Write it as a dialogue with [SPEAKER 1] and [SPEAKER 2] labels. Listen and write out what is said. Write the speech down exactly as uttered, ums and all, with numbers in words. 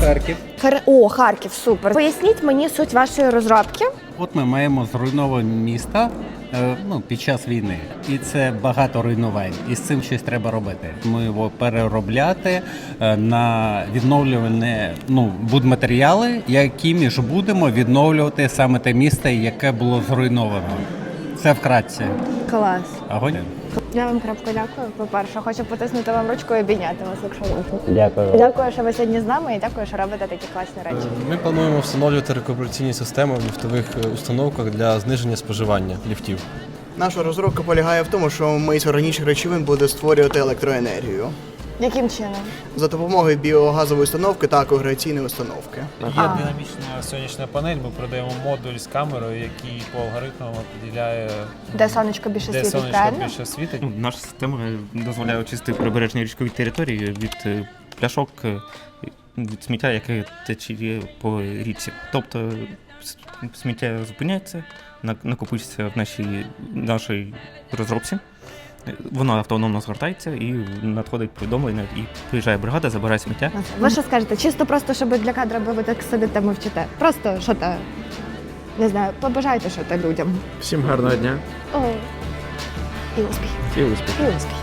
[SPEAKER 1] Харків.
[SPEAKER 2] Хар... О, Харків, супер. Поясніть мені суть вашої розробки.
[SPEAKER 1] От ми маємо зруйноване місто е, ну, під час війни. І це багато руйнувань. І з цим щось треба робити. Ми його переробляти е, на відновлювані ну, будматеріали, якими ж будемо відновлювати саме те місто, яке було зруйновано. Це вкратце.
[SPEAKER 2] Клас.
[SPEAKER 1] Огонь.
[SPEAKER 2] Я вам крапко дякую. По-перше, хочу потиснути вам ручку і обійняти вас, якщо можна.
[SPEAKER 1] Дякую.
[SPEAKER 2] Дякую, що ви сьогодні з нами, і дякую, що робите такі класні речі.
[SPEAKER 3] Ми плануємо встановлювати рекупераційні системи в ліфтових установках для зниження споживання ліфтів.
[SPEAKER 4] Наша розробка полягає в тому, що ми з органічних речовин буде створювати електроенергію
[SPEAKER 2] Яким чином?
[SPEAKER 4] за допомогою біогазової установки та когрегаційної установки.
[SPEAKER 5] Є динамічна сонячна панель, ми продаємо модуль з камерою, який по алгоритмам определяє,
[SPEAKER 2] Де сонечко більше
[SPEAKER 5] де
[SPEAKER 2] світить,
[SPEAKER 5] сонечко
[SPEAKER 2] правильно?
[SPEAKER 5] більше світить.
[SPEAKER 6] Ну, наша система дозволяє очистити прибережні річкові території від е, пляшок, е, від сміття, яке тече по річці. Тобто с- сміття зупиняється, на- накопичується в нашій, нашій розробці. Е, Воно автономно згортається і надходить повідомлення, і приїжджає бригада, забирає сміття.
[SPEAKER 2] Ви що скажете? Чисто просто, щоб для кадра, бо ви так сидите, мовчите. Просто що то, не знаю, побажайте що то людям.
[SPEAKER 7] Всім гарного дня
[SPEAKER 2] О, і успіх.
[SPEAKER 7] і успіхів.
[SPEAKER 2] І успіх.